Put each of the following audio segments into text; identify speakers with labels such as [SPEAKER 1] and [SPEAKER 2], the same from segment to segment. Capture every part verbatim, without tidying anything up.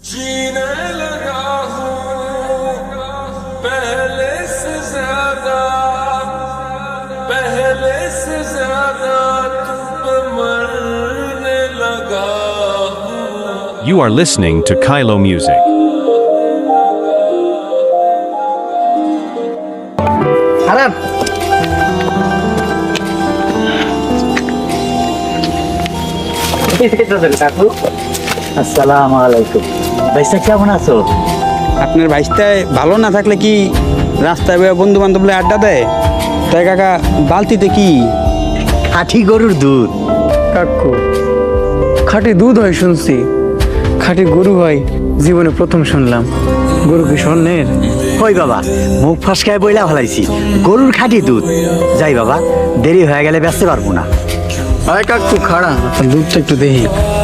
[SPEAKER 1] जीने लगा हूँ पहले से ज्यादा पहले से ज्यादा तुम पे मरने लगा हूँ।
[SPEAKER 2] You are listening to Kylo Music.
[SPEAKER 3] খারাপ কাকু আসসালামু আলাইকুম। ভাইসা কেমন আছো?
[SPEAKER 4] আপনার ভাইস্তায় ভালো না থাকলে কি রাস্তায় বন্ধু বান্ধব আড্ডা দেয়? তাই কাকা বালতিতে কি
[SPEAKER 3] খাঁটি গরুর দুধ।
[SPEAKER 5] কাকু খাঁটি দুধ হয় শুনছি, খাঁটি গরু হয় জীবনে প্রথম শুনলাম। গরু কি স্বর্ণের?
[SPEAKER 3] কই বাবা, মুখ ফসকায় বইলা ফেলাইছি, গরুর খাঁটি দুধ। যাই বাবা, দেরি হয়ে গেলে বেচতে পারবো না।
[SPEAKER 5] আয় কাকু খাড়া, আপনার দুধটা একটু দেখি।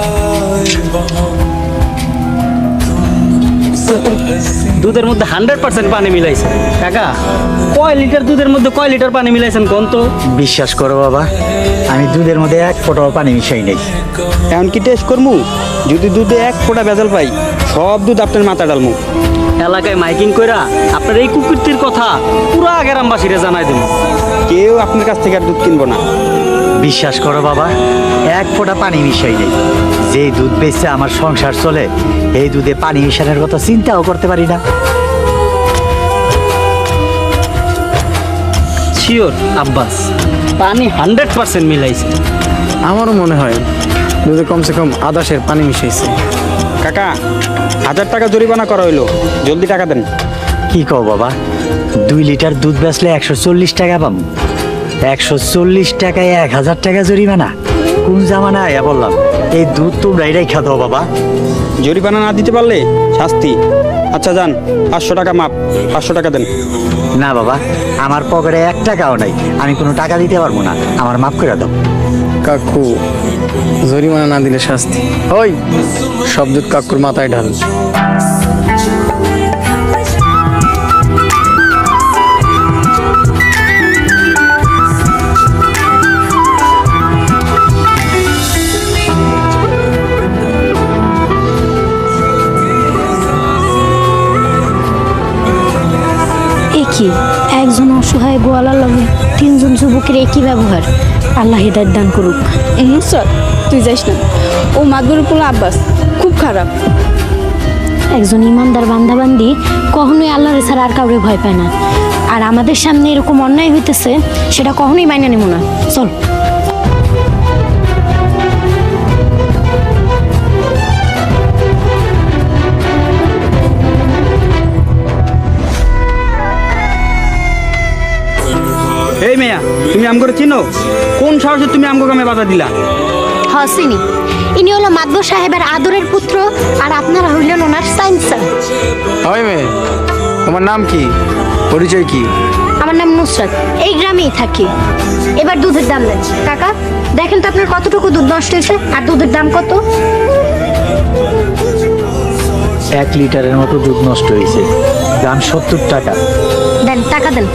[SPEAKER 6] দুধের মধ্যে হান্ড্রেড পার্সেন্ট পানি মিলাইছে। কাকা কয় লিটার দুধের মধ্যে কয় লিটার পানি মিলাইছেন কোন তো?
[SPEAKER 3] বিশ্বাস করো বাবা, আমি দুধের মধ্যে এক ফোঁটাও পানি মিশাই নেই।
[SPEAKER 4] এমন কি টেস্ট করমু? যদি দুধে এক ফোঁটা ভেজাল পাই, সব দুধ আপনার মাথা ডালমু।
[SPEAKER 6] এলাকায় মাইকিং কইরা আপনার এই কুকুরটির কথা পুরা গ্রামবাসীরা জানাই দেব।
[SPEAKER 4] কেউ আপনার কাছ থেকে আর দুধ কিনবো না।
[SPEAKER 3] বিশ্বাস করো বাবা, এক ফোঁটা পানি মিশাই নেই। যে দুধ বেচে আমার সংসার চলে, এই দুধে পানি মিশানোর কথা চিন্তাও করতে পারি না।
[SPEAKER 6] শিওর আব্বাস, পানি হান্ড্রেড পার্সেন্ট মিলাইছে।
[SPEAKER 5] আমারও মনে হয় দুধে কমসে কম আধা সের পানি মিশাইছে।
[SPEAKER 4] কাকা হাজার টাকা জরিমানা করা হইলো, জলদি টাকা দেন।
[SPEAKER 3] কি কও বাবা, দুই লিটার দুধ বেচলে একশো চল্লিশ টাকা পাবো? একশো চল্লিশ টাকায় এক হাজার টাকা জরিমানা? কোন জামানায় বললাম, এই দুধ তোমরাই রেখা দাও বাবা।
[SPEAKER 4] জরিমানা না দিতে পারলে শাস্তি। আচ্ছা যান, পাঁচশো টাকা মাপ, পাঁচশো টাকা দেন।
[SPEAKER 3] না বাবা, আমার পকেটে এক টাকাও নাই, আমি কোনো টাকা দিতে পারবো না, আমার মাফ করে দাও।
[SPEAKER 5] কাকু জরিমানা না দিলে শাস্তি। ওই সব দুধ কাকুর মাথায় ঢাল।
[SPEAKER 7] কি একজন অসহায় গোয়ালার লগে তিনজন যুবকের একই ব্যবহার। আল্লাহ হিদায়াত দান করুক।
[SPEAKER 8] নুসরাত তুই যাইস না, ও মাদবর পোলা আব্বাস খুব খারাপ।
[SPEAKER 7] একজন ইমানদার বান্দাবান্দি কখনোই আল্লাহর ছাড়া আর কাউরে ভয় পায় না। আর আমাদের সামনে এরকম অন্যায় হইতেছে, সেটা কখনোই মাইনা নেব না। চল।
[SPEAKER 4] এই মেয়া, তুমি আমগরে চিনো? কোন সাহসে তুমি আমগো গ্রামে বাধা দিলা?
[SPEAKER 7] হাসিনি, ইনি হলো মাদবর সাহেবের আদরের পুত্র, আর আপনারা হইলেন ওনার সাইন্সার।
[SPEAKER 5] হয় মেয়ে, তোমার নাম কি, পরিচয় কি?
[SPEAKER 7] আমার নাম নুসরাত, এই গ্রামেই থাকি। এবার দুধের দাম দেন। কাকা দেখেন তো আপনার কতটুকু দুধ নষ্ট হয়েছে, আর দুধের দাম কত?
[SPEAKER 3] এক লিটারের মতো দুধ নষ্ট হয়েছে, দাম সত্তর টাকা।
[SPEAKER 7] দেন, টাকা দেন।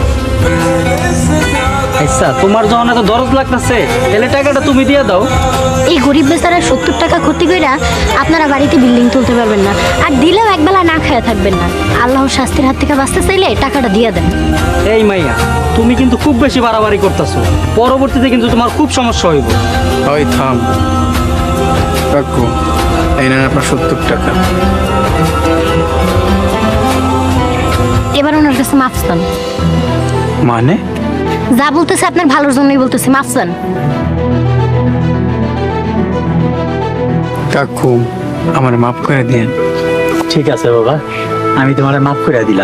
[SPEAKER 6] আচ্ছা তোমার যখন এত দরদ লাগতেছে, তাহলে টাকাটা তুমি দিয়ে দাও।
[SPEAKER 7] এই গরিব বেচারা সত্তর টাকা ক্ষতি কইরা আপনারা বাড়িতে বিল্ডিং তুলতে পারবেন না, আর দিলেও একবেলা না খায়া থাকবেন না। আল্লাহর শাস্তির হাত থেকে বাঁচতে চাইলে টাকাটা দিয়ে দেন।
[SPEAKER 6] এই মাইয়া, তুমি কিন্তু খুব বেশি বাড়াবাড়ি করতেছো, পরবর্তীতে কিন্তু তোমার খুব সমস্যা হইব।
[SPEAKER 5] ওই থাম কাকু, এই নেন আপনার সত্তর টাকা।
[SPEAKER 7] এবার ওনার কাছে মাফ চান।
[SPEAKER 5] মানে?
[SPEAKER 7] যা বলতেছে আপনার ভালোর জন্যই বলতেছে, মাফ চান।
[SPEAKER 5] কাকু আমার মাফ করে দিন।
[SPEAKER 3] ঠিক আছে বাবা, আমি তোমার মাফ করে দিলাম।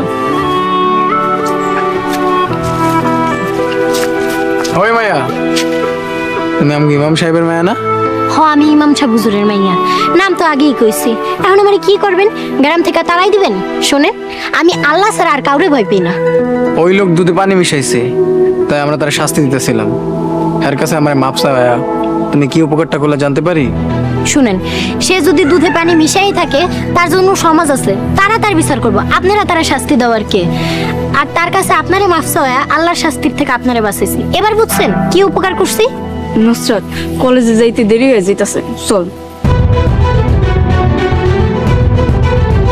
[SPEAKER 5] ওই মায়া, তুমি আমাকে ইমাম সাহেবের মায়া না?
[SPEAKER 7] হ, আমি ইমাম সাহেব হুজুরের মাইয়া। নাম তো আগেই কইছি। এখন আমার কি করবেন? গ্রাম থেকে তাড়াই দিবেন? শোনেন, আমি আল্লাহ ছাড়া আর কাউরে ভয় পাই না।
[SPEAKER 5] ওই লোক দুধে পানি মিশাইছে, তাই আমরা তার শাস্তি দিতেছিলাম। এর কাছে আমার মাপ চাওয়া, তুমি কি উপকারটা করলে জানতে পারি?
[SPEAKER 7] শুনেন, সে যদি দুধে পানি মিশাই থাকে, তার জন্য সমাজ আছে, তারা তার বিচার করবো। আপনারা তারা শাস্তি দেওয়ার কে? আর তার কাছে আপনারে মাফ চাওয়া আল্লাহর শাস্তির থেকে আপনারে বাঁচাইছি। এবার বুঝছেন কি উপকার করছি?
[SPEAKER 8] নুসরাত কলেজে যাইতে দেরি হয়ে যাইতাছে, চল।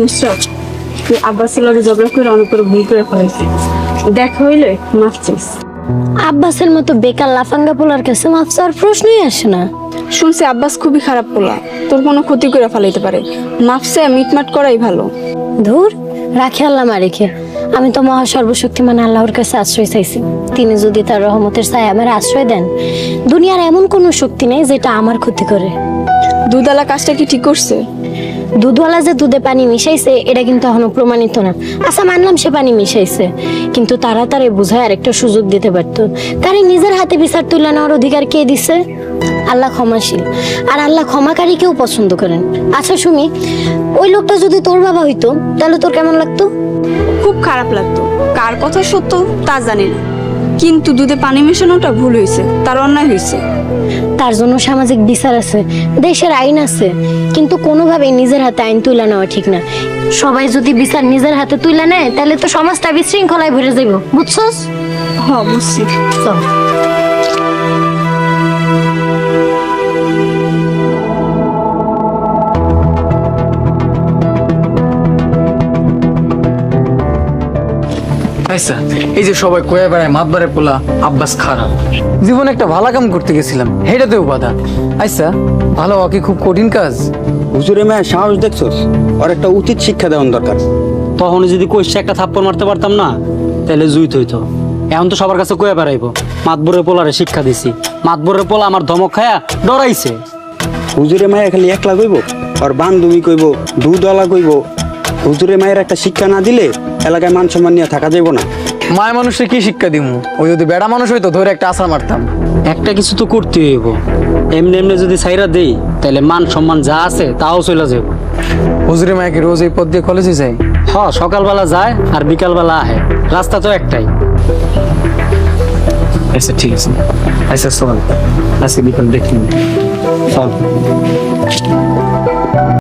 [SPEAKER 8] নুসরাত তুই আব্বাসের লগে ঝগড়া করে অনেক করে ভুল করে ফেলেছি দেখা হইলে মাফ চাইস।
[SPEAKER 7] আব্বাসের মতো বেকার লাফাঙ্গা পোলার কাছে মাফ চাওয়ার প্রশ্নই আসে না।
[SPEAKER 8] শুনছি আব্বাস খুবই খারাপ পোলা, তোর কোনো ক্ষতি করে ফেলাইতে পারে, মাফ চাই মিটমাট করাই ভালো।
[SPEAKER 7] ধুর, রাখে আল্লাহ মারেখে। আমি তো মহা সর্বশক্তিমান আল্লাহর কাছে আশ্রয় চাইছি। তিনি যদি তার রহমতের ছায়া আমার আশ্রয় দেন, দুনিয়ার এমন কোনো শক্তি নেই যেটা আমার ক্ষতি করে।
[SPEAKER 8] দুধালা কাজটা কি ঠিক করছে?
[SPEAKER 7] দুধওয়ালা যে দুধে পানি মিশাইছে এটা কিন্তু এখনো প্রমাণিত না। আচ্ছা মানলাম সে পানি মিশাইছে, কিন্তু তারা তারে বুঝায় আরেকটা সুযোগ দিতে পারতো। তারে নিজের হাতে বিচার তুলে নেওয়ার অধিকার কে দিছে? আল্লাহ ক্ষমাশীল, আর আল্লাহ ক্ষমাকারীকেও পছন্দ করেন। আচ্ছা সুমি, ওই লোকটা যদি তোর বাবা হইতো তাহলে তোর কেমন লাগতো?
[SPEAKER 8] খুব খারাপ লাগতো। কার কথা সত্য তা জানি না, কিন্তু দুধে পানি মেশানোটা ভুল হয়েছে, তার অন্যায় হয়েছে।
[SPEAKER 7] তার জন্য সামাজিক বিচার আছে, দেশের আইন আছে, কিন্তু কোনোভাবেই নিজের হাতে আইন তুলে নেওয়া ঠিক না। সবাই যদি বিচার নিজের হাতে তুলে নেয় তাহলে তো সমাজটা বিশৃঙ্খলায় ভরে যাইব, বুঝছস?
[SPEAKER 8] হ বুঝছি।
[SPEAKER 7] চল।
[SPEAKER 5] আচ্ছা, এই যে সবাই কয়ে বেড়ায় মাতবারে পোলা আব্বাস খারাপ, জীবনে একটা ভালো কাম করতে গেছিলাম হেটাতেও বাধা। আচ্ছা, ভালো হওয়া কি খুব কঠিন কাজ?
[SPEAKER 4] হুজুরে মেয়ে সাহস দেখছোস, ওর একটা উচিত শিক্ষা দেওয়ার দরকার।
[SPEAKER 6] তখন যদি কইসে একটা থাপ্পড় মারতে পারতাম না, তাহলে জুইত হইতো। এখন তো সবার কাছে কয়ে বেড়াইবো মাতবরের পোলারে শিক্ষা দিছি, মাতবরের পোলা আমার ধমক খায়া ডরাইছে।
[SPEAKER 4] হুজুরে মায়া খালি একলা কইব, আর বান্ধবী কইব, দুধওয়ালা কইব। হুজুরে মায়ের একটা শিক্ষা না দিলে এলাকায় মান সম্মান নিয়ে থাকা যাইব না।
[SPEAKER 5] মায় মানুষের কি শিক্ষা দিমু? ওই যদি বেড়া মানুষ হইতো ধরে একটা আশা মারতাম।
[SPEAKER 6] একটা কিছু তো করতে হইব, এমনি এমনি যদি সাইরা দেই তাহলে মান সম্মান যা আছে তাও চলে যাবে।
[SPEAKER 5] হুজুরে মায়াকে রোজ এই পথ দিয়ে কলেজে যায়?
[SPEAKER 6] হ, সকালবেলা যায় আর বিকালবেলা আহে, রাস্তা তো একটাই।
[SPEAKER 5] আচ্ছা ঠিক আছে, আচ্ছা চল আজকে বিকাল দেখি।
[SPEAKER 6] চল।